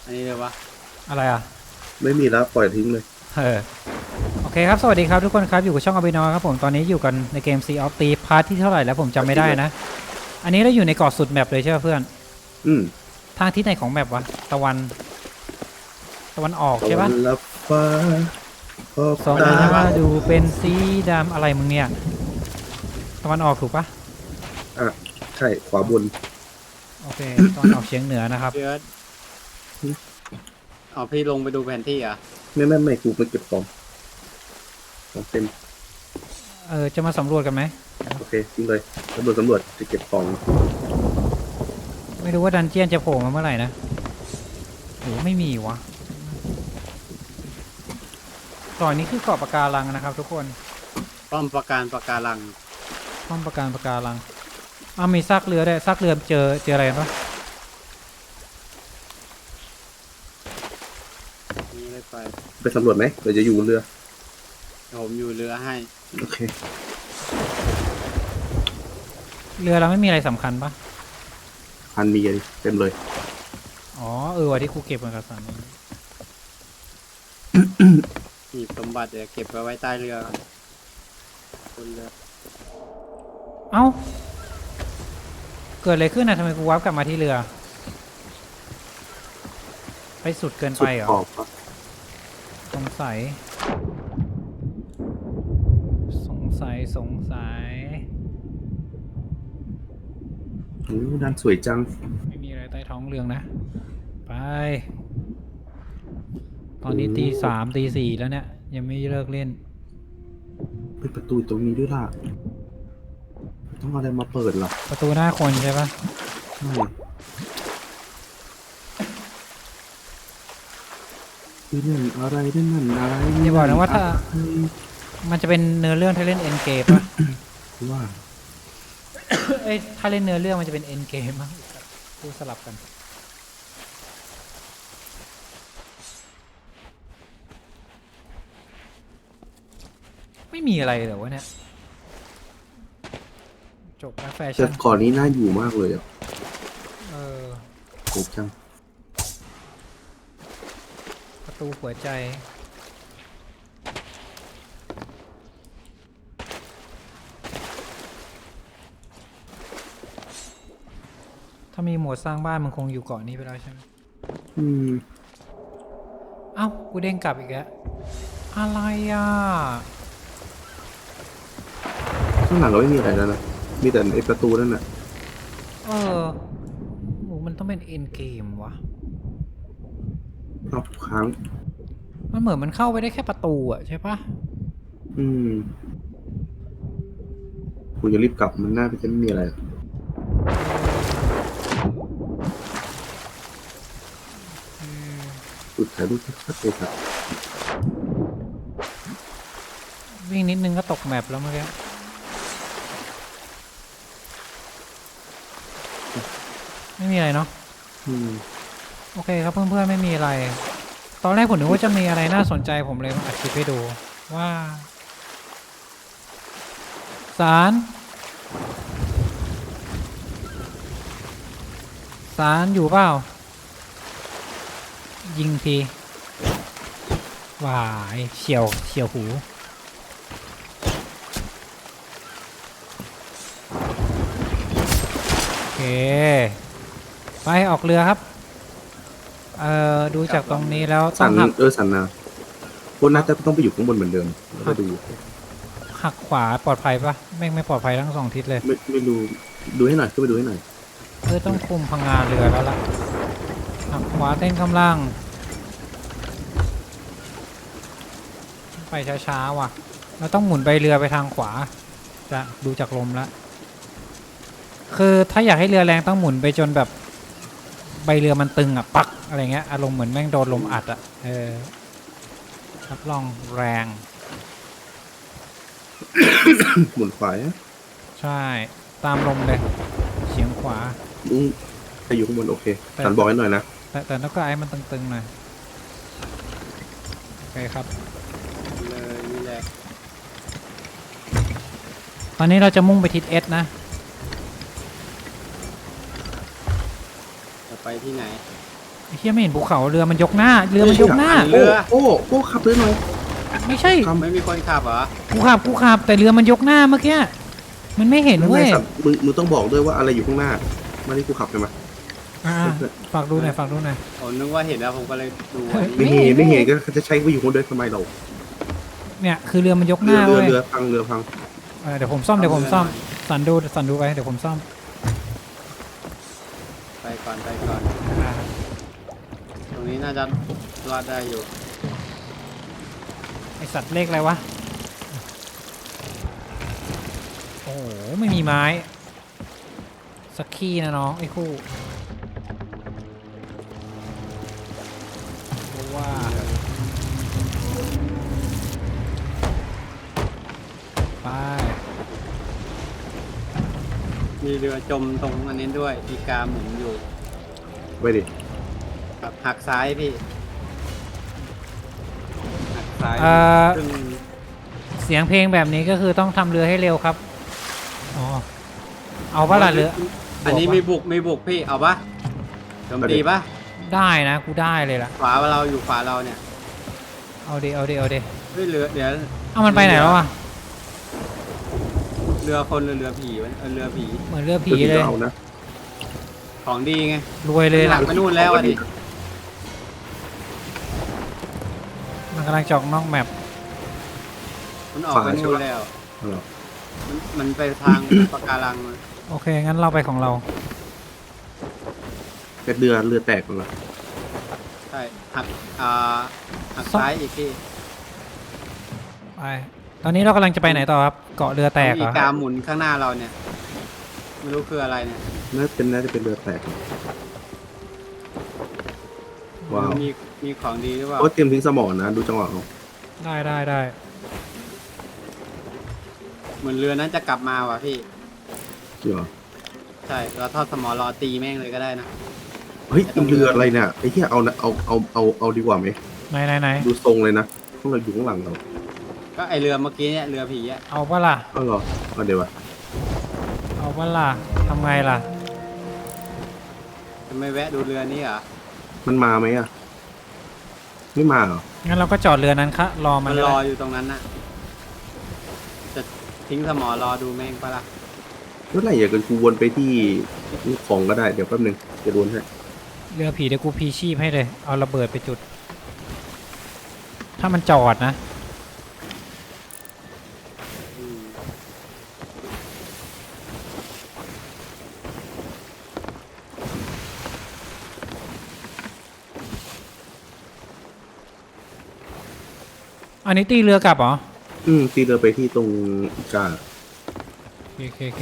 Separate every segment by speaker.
Speaker 1: อันนี้เลยวะ
Speaker 2: อะไรอ่ะ
Speaker 3: ไม่มีแล้วปล่อยทิ้งเลย
Speaker 2: โอเคครับสวัสดีครับทุกคนครับอยู่กับช่องอบินอครับผมตอนนี้อยู่กันในเกม Sea of Thieves พาร์ทที่เท่าไหร่แล้วผมจำไม่ได้นะอันนี้เราอยู่ในเกาะสุดแมปเลยใช่ไหมเพื่อนทางที่ไหนของแมปวะตะวันออกใช่ปะ
Speaker 3: ลับฟ้า
Speaker 2: สองตาดูเป็นสีดำอะไรมึงเนี่ยตะวันออกถูกปะ
Speaker 3: ใช่ขวาบน
Speaker 2: โอเคตะวันออกเฉียงเหนือนะครับ
Speaker 1: พี่เอิร์ธเอาพี่ลงไปดูแผนที่อ่ะ
Speaker 3: ไม่กูมาเก็บของเต็ม
Speaker 2: จะมาสำรวจกันไหม
Speaker 3: โอเคทิ้งเลยสำรวจจะเก็บของ
Speaker 2: ไม่รู้ว่าดันเจียนจะโผล่มาเมื่อไหร่นะโหไม่มีวะเกาะนี้คือเกาะปะการังนะครับทุกคน
Speaker 1: ป้อมปะการัง
Speaker 2: ป้อมปะการังมีซากเรือด้วยซากเรือเจออะไรกันปะ
Speaker 1: นี่เลย
Speaker 3: ไปสำรวจไหมเดี๋ยวจะอยู่บนเรือ
Speaker 1: ผมอยู่เรือให้
Speaker 3: โอเค
Speaker 2: เรือเราไม่มีอะไรสำคัญปะ
Speaker 3: พันมีเต็มเลย
Speaker 2: อ๋อวันที่ครูเก็บเอกสาร
Speaker 1: หีบสมบัติเดี๋ยวเก็บไว้ใต้เรือบนเรือ
Speaker 2: เอ้าเกิดอะไรขึ้นนะทำไมกูวาร์ปกลับมาที่เรือไปสุดเกินไปเหรอสงสัย
Speaker 3: ด้านสวยจัง
Speaker 2: ไม่มีอะไรใต้ท้องเรือนะไปตอนนี้ตี 3ตี 4แล้วเนี่ยยังไม่เลิกเล่น
Speaker 3: เป็นประตูตรงนี้ด้วยล่ะต้องอะไรมาเปิดหรอ
Speaker 2: ประตูหน้าคนใช่ปะ
Speaker 3: นี่นั่นอะไร
Speaker 2: อย่าบอกนะว่าถ้ามันจะเป็นเนื้อเรื่องถ้าเล่นเอ็นเกมป่ะ
Speaker 3: ว่า
Speaker 2: ถ้าเล่นเนื้อเรื่องมันจะเป็นเอ็นเกมมั้งพูดสลับกันไม่มีอะไรเหรอวะเนี่ยจบแล้วแฟชั่น
Speaker 3: แต่ก่อนนี้น่าอยู่มากเลยอ่ะโกบจัง
Speaker 2: ประตูหัวใจถ้ามีโหมดสร้างบ้านมันคงอยู่เกาะนี้ไปแล้วใช่ไหมเอ้ากูเด้งกลับอีกแล้วอะไรอ่ะ
Speaker 3: ข้างหลังเราไม่มีอะไรแล้วนะมีแต่ไอ้ประตูนั่นน่ะ
Speaker 2: มันต้องเป็นเอ็นเกมวะ
Speaker 3: เอาค้าง
Speaker 2: มันเหมือนมันเข้าไปได้แค่ประตูอ่ะใช่ปะ
Speaker 3: กูจะรีบกลับมันน่าจะไม่มีอะไรสุดท้ายดูที่ชัดเลยครับ
Speaker 2: วิ่งนิดนึงก็ตกแมปแล้วเมื่อกี้ไม่มีอะไรเนาะโอเคครับเพื่อนๆไม่มีอะไรตอนแรกผมนึกว่าจะมีอะไรน่าสนใจผมเลยมาอัดคลิปให้ดูว่าสารอยู่เปล่ายิงทีวายเฉียวหูโอเคไปออกเรือครับดูจากตรงนี้แล้ว
Speaker 3: สันนาพวกน่าจะต้องไปอยู่ข้างบนเหมือนเดิมแล้วก็ดู
Speaker 2: หักขวาปลอดภัยปะไม่ปลอดภัยทั้ง2 ทิศเลย
Speaker 3: ไม่ดูให้หน่อยก็ไปดูให้หน่อย
Speaker 2: ต้องคุมพังงาเรือแล้วล่ะหักขวาเต้นกำลังไปช้าๆว่ะเราต้องหมุนใบเรือไปทางขวาจะดูจากลมแล้วคือถ้าอยากให้เรือแรงต้องหมุนไปจนแบบใบเรือมันตึงอ่ะปักอะไรเงี้ยอารมณ์เหมือนแม่งโดนลมอัดอ่ะรับรองแรง
Speaker 3: หมุนขวา
Speaker 2: ใช่ตามลมเลยเฉียงขวา
Speaker 3: ไปอยู่ข้างบนโอเคสันบอกให้หน่อยนะ
Speaker 2: แต่แล้วก็ไอ้มันตึงๆหน่อยโอเคครับ
Speaker 1: เลยนี่แหละ
Speaker 2: ตอนนี้เราจะมุ่งไปทิศเอสนะ
Speaker 1: จะไปที่ไหน
Speaker 2: ไอ้เหี้ยไม่เห็นภูเขาเรือมันยกหน้าเรือมันยกหน้า
Speaker 3: โอ้ขับเรือหน่อย
Speaker 2: ไม่ใช่
Speaker 1: ไม่มีคนขับเหรอ
Speaker 2: กูขับแต่เรือมันยกหน้าเมื่อกี้มันไม่เห็น
Speaker 3: แล้ว
Speaker 2: เว้
Speaker 3: ไง
Speaker 2: ย
Speaker 3: สัตว์มึงต้องบอกด้วยว่าอะไรอยู่ข้างหน้ามาที่กูขับใช่ไหม
Speaker 2: อ่าฝากดูหน่อยฝากดูหน่อย
Speaker 1: ผมนึกว่าเห็นแล้วผมก็เลยดู
Speaker 3: ไม่เห็นไม่เห็นก็จะใช้กูอยู่คนเดียวทำไมเรา
Speaker 2: เนี่ยคือเรือมันยกหน้า
Speaker 3: เรือ
Speaker 2: เว้ย
Speaker 3: เรือพังเรือพัง
Speaker 2: เดี๋ยวผมซ่อมสันดูไปเดี๋ยวผมซ่อม
Speaker 1: ไปก่อนไปก่อน
Speaker 2: อ่า
Speaker 1: ตรงนี้น่าจะรอดได้อยู่
Speaker 2: ไอสัตว์เลขอะไรวะโอ้โหไม่มีไม้สักขี้นะน้องไอ้คู่เพราะว่าไป
Speaker 1: มีเรือจมตรงอันนี้ด้วยอีกาหมุนอยู่
Speaker 3: ไปดิ
Speaker 1: แบบหักซ้ายพี่หักซ้ายซึ่ง
Speaker 2: เสียงเพลงแบบนี้ก็คือต้องทำเรือให้เร็วครับอ๋อเอาปะล่ะเรือ
Speaker 1: อันนี้มีบุกพี่เอาปะโจมตีปะ
Speaker 2: ได้นะกูได้เลยล่ะ
Speaker 1: ขวาเราอยู่ขวาเราเนี่ย
Speaker 2: เอาดิ
Speaker 1: เฮ้ยเรือเดี๋ยว
Speaker 2: เอามันไปไหนแล้วอ่ะ
Speaker 1: เรือคนหรือเรือผีวะเรือผี
Speaker 2: เหมือนเรือผีเลย
Speaker 3: เอานะ
Speaker 1: ของดีไง
Speaker 2: รวยเลย
Speaker 1: หลั
Speaker 2: ล่ะ
Speaker 1: กไปนู่นแล้วอะดิ
Speaker 2: มันกำลังจอกนอกแมป
Speaker 1: มันออกไปนู่นแล้ว
Speaker 3: เอาเหรอ
Speaker 1: มันไปทางปะการังมา
Speaker 2: โอเคงั้นเราไปของเรา
Speaker 3: แต่เรือแตกหมดเลย
Speaker 1: ใช่หักซ้ายอีกพี่
Speaker 2: ไปตอนนี้เรากำลังจะไปไหนต่อครับเกาะเรือแตกเห
Speaker 1: มี
Speaker 2: รอ
Speaker 1: กาหมุนข้างหน้าเราเนี่ยไม่รู้คืออะไรเนี่ย
Speaker 3: น่าจะเป็นเรือแตกว้าว
Speaker 1: มีของดีหรือเปล่า
Speaker 3: โอ้เตรียมทิ้งสมอนะดูจังหวะเอา
Speaker 2: ได้
Speaker 1: เหมือนเรือนั้นจะกลับมาว่ะพี่
Speaker 3: เกี่ยว
Speaker 1: ใช่เราทอดสมอรอตีแม่งเลยก็ได้นะ
Speaker 3: เฮ้ยเรืออะไรเนี่ยไอ้ที่เอานะเอาดีกว่าไหม
Speaker 2: ไหน
Speaker 3: ดูทรงเลยนะพวกเราอยู่ข้างหลังเรา
Speaker 1: ก็ไอเรือเมื่อกี้เนี่ยเรือผีอะ
Speaker 2: เอาปะล่ะ
Speaker 3: เอาเหรอเอาเดี๋ยววะ
Speaker 2: เอาปะล่ะทำไงล่ะ
Speaker 1: จะไม่แวะดูเรือนี้เหรอ
Speaker 3: มันมาไหมอ่ะไม่มาเหรอ
Speaker 2: งั้นเราก็จอดเรือนั้นคะรอมั
Speaker 1: มัน น
Speaker 2: เลย
Speaker 1: รออยู่ตรงนั้นน่ะจะทิ้งสมอรอดูแม่งปะล่ะ
Speaker 3: เมื่อไหร่อยากกันกูวนไปที่ของก็ได้เดี๋ยวแป๊บนึงจะวนให้
Speaker 2: เรือผีเดี๋ยวกูพีชีพให้เลยเอาระเบิดไปจุด ถ้ามันจอดนะ
Speaker 1: อืม
Speaker 2: อันนี้ตีเรือกลับเหรอ
Speaker 3: ตีเรือไปที่ตรงอีกา
Speaker 2: โอเค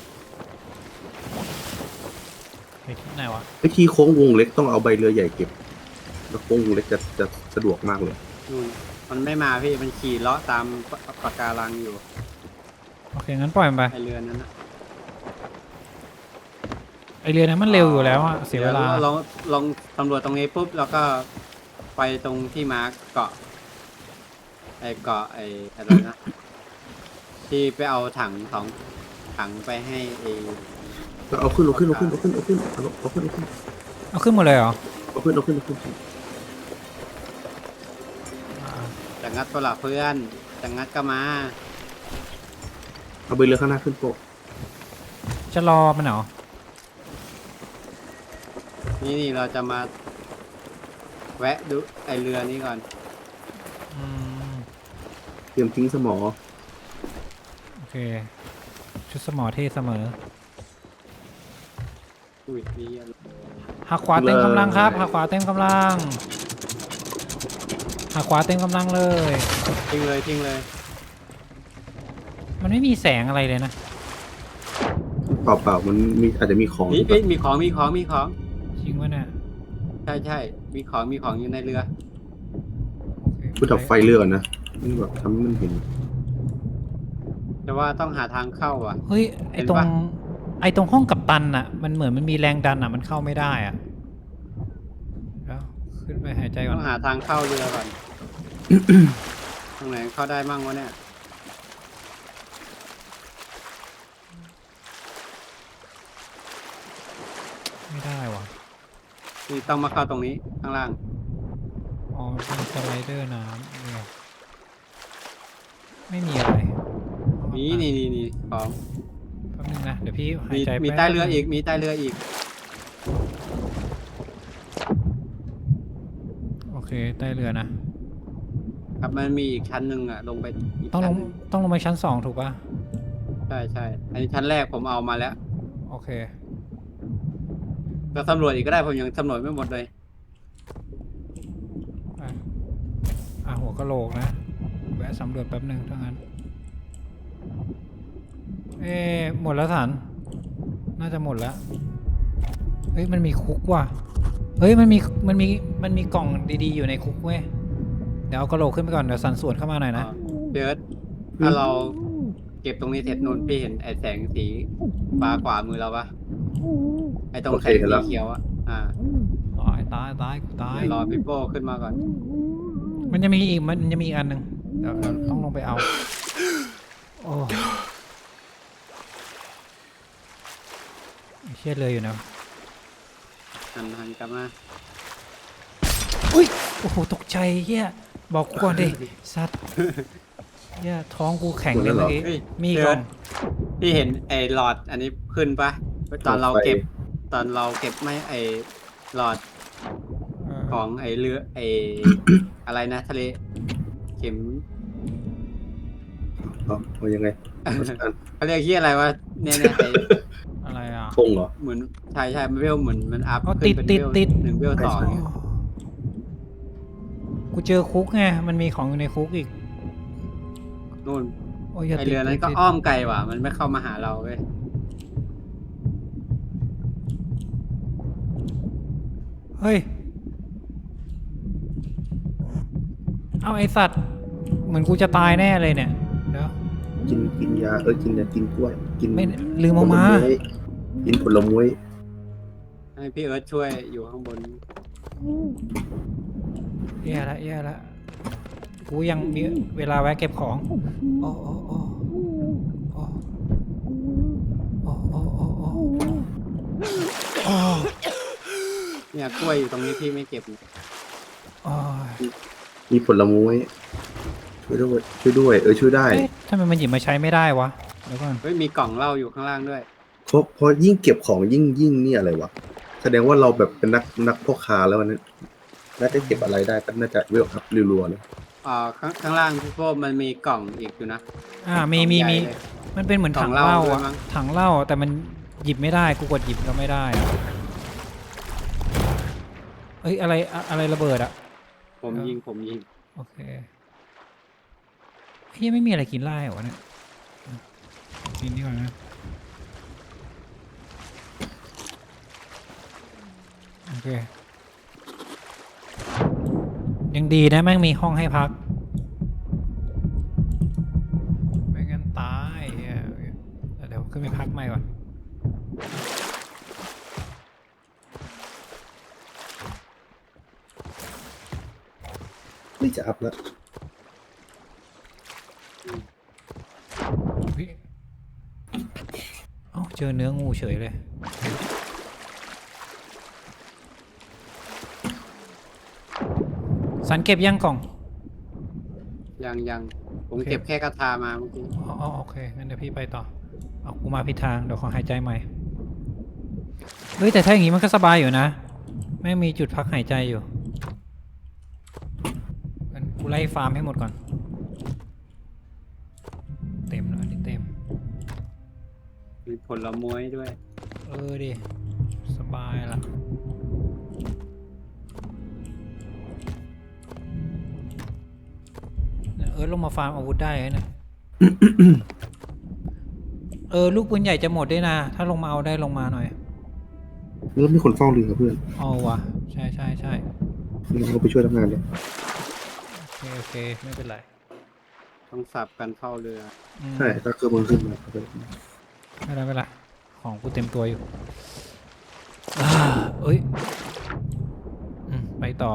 Speaker 2: ไปที่ไหนวะ
Speaker 3: ไอ้ที่โค้งวงเล็กต้องเอาใบเรือใหญ่เก็บแล้วโค้งวงเล็กจะสะดวกมากเลย
Speaker 1: นู่นมันไม่มาพี่มันขี่เลาะตามปะการังอยู่
Speaker 2: โอเคงั้นปล่อยมันไป
Speaker 1: ไอเรือนั้นนะ
Speaker 2: ไอเรือนั้นมันเร็วอยู่แล้วอะเสียเวลา
Speaker 1: ดี๋ลองตำรวจตรงนี้ปุ๊บแล้วก็ไปตรงที่มาร์กเกาะไออะไรนะ ที่ไปเอาถังไปให้ไอ
Speaker 3: ก็เอาขึ้นเอาขึ้น
Speaker 2: เอาขึ้นหมดเลยเหรอ
Speaker 1: จะงัดตัวหลักเพื่อนจะงัดก็มา
Speaker 3: เอาใบเรือข้างหน้าขึ้นโป๊ะ
Speaker 2: จะรอมันเหรอ
Speaker 1: นี่เราจะมาแวะดูไอเรือนี้ก่อน
Speaker 2: อืม
Speaker 3: เตรียมทิ้งสมอ
Speaker 2: โอเค ชุดสมอเท่เสมอ
Speaker 1: อุ้ยนี่อะไร
Speaker 2: หักขวาเต็มกำลังครับหักขวาเต็มกำลังหักขวาเต็มกำลังเลย
Speaker 1: ทิ้งเลย
Speaker 2: มันไม่มีแสงอะไรเลยนะ
Speaker 3: เปล่ามันมีอาจจะมีของ
Speaker 1: นี่
Speaker 3: แบบ
Speaker 1: มีของ
Speaker 2: จริงวะเนี่ย
Speaker 1: ใช่มีของอยู่ในเรือ
Speaker 2: โอเค
Speaker 3: กูดับไฟเรือก่อนนะนี่แบบทำให้มันเห็น
Speaker 1: แต่ว่าต้องหาทางเข้าอ่ะ
Speaker 2: เฮ้ยไอ
Speaker 1: เห็น
Speaker 2: ตรง
Speaker 1: ปะ
Speaker 2: ไอตรงห้องกัปตันอะมันเหมือนมันมีแรงดันอะมันเข้าไม่ได้อะแล้วขึ้นไปหายใจก่อ
Speaker 1: ต้อน งหาทางเข้าเรือก่อน ตรงไหนเข้าได้มั่งวะเนี่ย
Speaker 2: ไม่ได้วะ
Speaker 1: นี่ต้องมาเข้าตรงนี้ข้างล่าง
Speaker 2: อ๋อเป็นสไลเดอร์น้ำเนี่ยไม่มีอะไร
Speaker 1: นี่ของ
Speaker 2: แป๊บนึงนะเดี๋ยวพี่หาย
Speaker 1: มี
Speaker 2: ใจ
Speaker 1: มี
Speaker 2: แป๊บ
Speaker 1: ใต้เรือ
Speaker 2: นึง
Speaker 1: อีกมีใต้เรืออีก
Speaker 2: โอเคใต้เรือนะ
Speaker 1: ครับมันมีอีกชั้นหนึ่งอ่ะลงไปอีก
Speaker 2: ต้องล
Speaker 1: ชั้น
Speaker 2: ง
Speaker 1: หนึ่ง
Speaker 2: ต้องลงไปชั้น2ถูกป่ะ
Speaker 1: ใช่อันนี้ชั้นแรกผมเอามาแล้ว
Speaker 2: โอเค
Speaker 1: ก็สำรวจอีกก็ได้ผมยังสำรวจไม่หมดเลย
Speaker 2: หัวกะโหลกนะแวะสำรวจแป๊บนึงถ้างั้นหมดแล้วสันน่าจะหมดแล้วเฮ้ยมันมีคุกว่ะเฮ้ยมันมีกล่องดีๆอยู่ในคุกเว้ยเดี๋ยวเอากะโหลกขึ้นไปก่อนเดี๋ยวสันสวนเข้ามาหน่อยนะ
Speaker 1: เบิร์ดถ้าเราเก็บตรงนี้เสร็จนู่นพี่เห็นไอ้แสงสีฟ้าขวามือเราปะไอ้ตรงแสงสีเขียวอ่ะ
Speaker 2: ตายกูตาย
Speaker 1: เดี๋ยวรอพี่โป้ขึ้นมาก่อน
Speaker 2: มันจะมีอีกอันหนึ่งเดี๋ยวต้องลงไปเอาโอ้เชี่ยเลยอยู่นะ
Speaker 1: หันกลับมา
Speaker 2: อุ้ยโอ้โหตกใจเฮียบอกกูก่อนดิสัตว์เฮียท้องกูแข็งเลยเมื่อกี้
Speaker 1: เฮ้ย
Speaker 2: มีก่อน
Speaker 1: พี่เห็นไอ้หลอดอันนี้ขึ้นปะตอนเราเก็บไม่ไอ้หลอดของไอ้เรือไอ้ อะไรนะทะเลเข็ม
Speaker 3: เอายังไง
Speaker 1: เขาเรียกที่อะไรวะเนี่ยไอ้
Speaker 2: อะไรอ่ะ
Speaker 3: คงเหรอ
Speaker 1: เหมือนใช่มันเวลเหมือนมันอัพ
Speaker 2: อ๋อ
Speaker 1: ขึ้นเป็น
Speaker 2: ติด
Speaker 1: เวล
Speaker 2: ติด
Speaker 1: 1 เวล 2เนี่ย
Speaker 2: กูเจอคุกไงมันมีของอยู่ในคุกอีก
Speaker 1: นู่น
Speaker 2: โอ้ยอย่า
Speaker 1: ไอ
Speaker 2: ติด
Speaker 1: เรือนั้นก็
Speaker 2: ติด
Speaker 1: อ้อมไกลว่ะมันไม่เข้ามาหาเราเว้ย
Speaker 2: เฮ้ยเอาไอสัตว์เหมือนกูจะตายแน่เลยเนี่ยเดี๋ยว
Speaker 3: กินยากินยากินกล้วยกิน
Speaker 2: ไม่ลืมเอามา
Speaker 3: ผลไกินผลไม้
Speaker 1: ให้พี่เอิร์ธช่วยอยู่ข้างบน
Speaker 2: แย่ละกูยังมีเวลาแวะเก็บของโอ้
Speaker 1: เนี่ยกล้วยอยู่ตรงนี้พี่ไม่เก็บ
Speaker 2: โอ้ย
Speaker 3: มีผลไม้ช่วยด้วยช่วยได้
Speaker 2: เอ๊ะทำไมมันหยิบมาใช้ไม่ได้วะเดี๋ยวก่อน
Speaker 1: เฮ้ยมีกล่องเหล้าอยู่ข้างล่างด้วย
Speaker 3: เพราะยิ่งเก็บของยิ่งนี่อะไรวะแสดงว่าเราแบบเป็นนักพ่อค้าแล้วนั้นน่าจะเก็บอะไรได้ก็น่าจะเวลอัพรัวๆเลย
Speaker 1: ข้างล่างพี่โป้มันมีกล่องอีกอยู่นะ
Speaker 2: มี
Speaker 1: กล่องใหญ่เลย
Speaker 2: มันเป็นเหมือนถัง
Speaker 1: กล่
Speaker 2: เห
Speaker 1: องเหล้า
Speaker 2: ล้า
Speaker 1: ด้วย
Speaker 2: อะ
Speaker 1: มั้ง
Speaker 2: ถังเหล้าแต่มันหยิบไม่ได้กูกดหยิบก็ไม่ได้อะเอ้ยอะไรระเบิดอะ
Speaker 1: ผมยิง
Speaker 2: โอเคเฮ้ยไม่มีอะไรกินไล่เหรอวะเนี่ยกินนี่ก่อนนะโอเคยังดีนะแม่งมีห้องให้พักไม่งั้นตายอ่ะเดี๋ยวขึ้นไปพักใหม่ก่อน
Speaker 3: นี่จะอัพแล้ว
Speaker 2: เฮ้ยเอ้าเจอเนื้องูเฉยเลยสันเก็บยังกล่อง
Speaker 1: ยังผม
Speaker 2: โอเค
Speaker 1: เก็บแค่กระทามาเมื่อกี้
Speaker 2: อ๋อโอเคงั้นเดี๋ยวพี่ไปต่อเอากูมาผิดทางเดี๋ยวขอหายใจใหม่เฮ้ยแต่ถ้าอย่างงี้มันก็สบายอยู่นะไม่มีจุดพักหายใจอยู่งั้นกูไล่ฟาร์มให้หมดก่อนเต็มแล้วอันนี้เต็ม
Speaker 1: มีผลไม้ด้วย
Speaker 2: ดิสบายละลงมาฟาร์มอาวุธได้ไหมเนี่ย ลูกปืนใหญ่จะหมดด้วยนะถ้าลงมาเอาได้ลงมาหน่อย
Speaker 3: แล้วมีคนเฝ้าเรือเพื่อน
Speaker 2: เอาวะใช่
Speaker 3: เราไปช่วยทำงานเลย
Speaker 2: โอเคไม่เป็นไร
Speaker 1: ต้องสับกันเข้าเรือ
Speaker 3: ใช่ถ้าเครื่องมือขึ้นมา
Speaker 2: ไม่เป็นไรของกูเต็มตัวอยู่เอ้ยไปต่อ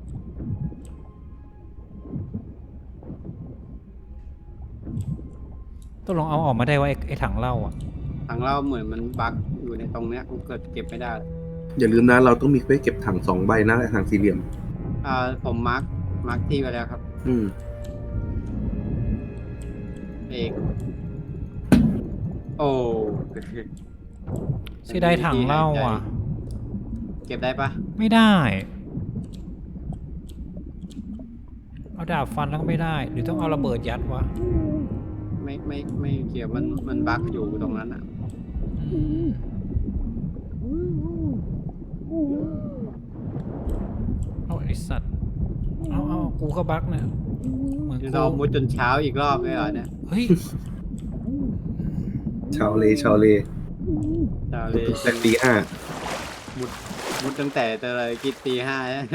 Speaker 2: ต้องลองเอาออกมาได้ว่าไอ้ถังเหล้าอ่ะ
Speaker 1: ทางเราเหมือนมันบั๊กอยู่ในตรงเนี้ยผมเกิดเก็บไม่ได้
Speaker 3: อย่าลืมนะเราต้องมีไว้เก็บถัง2 ใบนะถังสี่เหลี่ยม
Speaker 1: ผมมาร์คที่ไว้แล้วครับ
Speaker 3: อืม
Speaker 1: เอกโอ้
Speaker 2: เสียดายถังเหล้าอ่ะ
Speaker 1: เก็บได้ปะ
Speaker 2: ไม่ได้ เอาดาบฟันแล้วก็ไม่ได้ หรือต้องเอาระเบิดยัดวะ
Speaker 1: ไม่เกี่ยวมันบั๊กอยู่ตรงนั้นอ่ะ
Speaker 2: อืมเอาไอสัตว์ เอากูก็บักเนี่ยเหมือน
Speaker 1: เรา
Speaker 2: กู
Speaker 1: มุดจนเช้าอีกรอบเลยเหรอเนี่ย
Speaker 2: เฮ้ย
Speaker 3: ชาวเล
Speaker 1: เช้าเลย
Speaker 3: แต่ตี 5
Speaker 1: มุดตั้งแต่เลยกินตี 5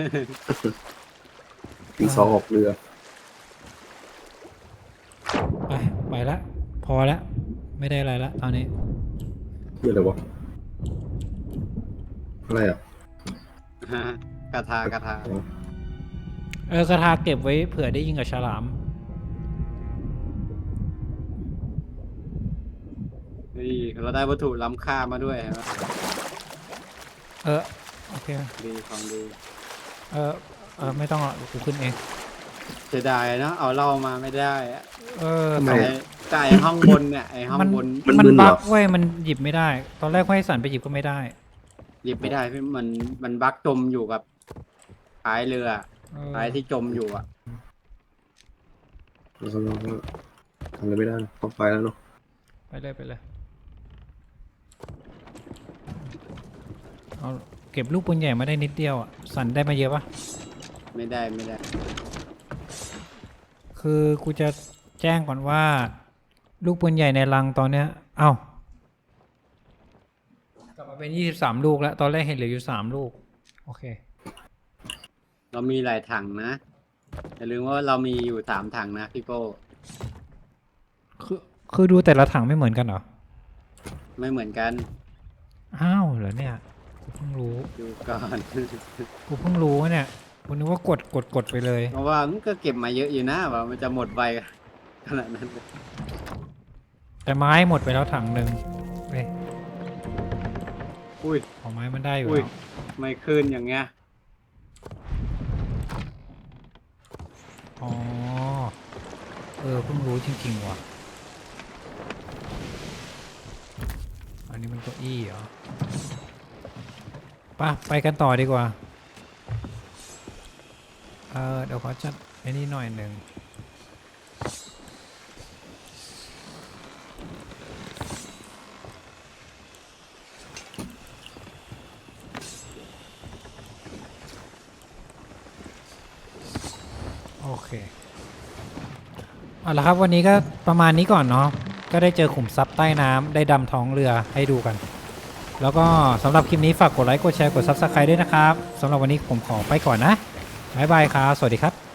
Speaker 3: ตี 2ออกเรือ
Speaker 2: ไปละพอละไม่ได้อะไรละตอนนี้
Speaker 3: คืออะไรวะ อะไรอ่ะ
Speaker 1: กระทากระทา
Speaker 3: อ๋อ
Speaker 2: กระทาเก็บไว้เผื่อได้ยิงกับฉลาม
Speaker 1: นี่เราได้วัตถุล้ำค่ามาด้วยเห็นไหม
Speaker 2: โอเค
Speaker 1: ดีของดี
Speaker 2: ไม่ต้องอ่ะกูขึ้นเอง
Speaker 1: เสียดายเนาะเอาเหล้ามาไม่ได้อะ
Speaker 3: ทำไม
Speaker 1: ไก่ห้องบนเนี่ยไอห้องบน
Speaker 3: มัน
Speaker 2: มัน
Speaker 3: มึนเหรอ
Speaker 2: บักเว้ยมันหยิบไม่ได้ ตอนแรกให้สันไปหยิบก็ไม่ได้
Speaker 1: หยิบไม่ได้พี่มันบั๊กจมอยู่กับท้ายเรือท้ายที่จมอยู่อ่ะ
Speaker 3: เราทำอะไรไม่ได้ต้องไปแล้วเนาะ
Speaker 2: ไปเลยเอาเก็บลูกปืนใหญ่มาได้นิดเดียวอ่ะสันได้มาเยอะปะ
Speaker 1: ไม่ได้
Speaker 2: คือกูจะแจ้งก่อนว่า ลูกปืนใหญ่ในรังตอนเนี้ยเอ้ากลับมาเป็น23 ลูกแล้ว ตอนแรกเห็นเหลืออยู่3 ลูก โอเค
Speaker 1: เรามีหลายถังนะอย่าลืมว่าเรามีอยู่3 ถังนะพี่โก้
Speaker 2: คือดูแต่ละถังไม่เหมือนกันเหรอ
Speaker 1: ไม่เหมือนกัน
Speaker 2: อ้าวเหรอเนี่ยกูเพิ่งรู้
Speaker 1: ดูก่อน
Speaker 2: กูเพิ่งรู้เนี่ยกูนึกว่ากดไปเลย
Speaker 1: เพราะว่ามันก็เก็บมาเยอะอยู่นะว่ามันจะหมดไวขนาดนั้น
Speaker 2: แต่ไม้หมดไปแล้วถังหนึ่งเฮ้ย
Speaker 1: อุ้ย
Speaker 2: ของไม้มันได้อยู่
Speaker 1: อุ้ย
Speaker 2: แล้ว
Speaker 1: ไม่ขึ้นอย่างเงี้ย
Speaker 2: อ๋อเพิ่งรู้จริงๆว่ะอันนี้มันเก้าอี้เหรอไปกันต่อดีกว่าเดี๋ยวขอจัดไอ้นี่หน่อยหนึ่งโอเคเอาละครับวันนี้ก็ประมาณนี้ก่อนเนาะก็ได้เจอขุมทรัพย์ใต้น้ำได้ดำท้องเรือให้ดูกัน แล้วก็สำหรับคลิปนี้ฝากกดไลค์กดแชร์กด Subscribe ด้วยนะครับสำหรับวันนี้ผมขอไปก่อนนะบ๊ายบายครับสวัสดีครับ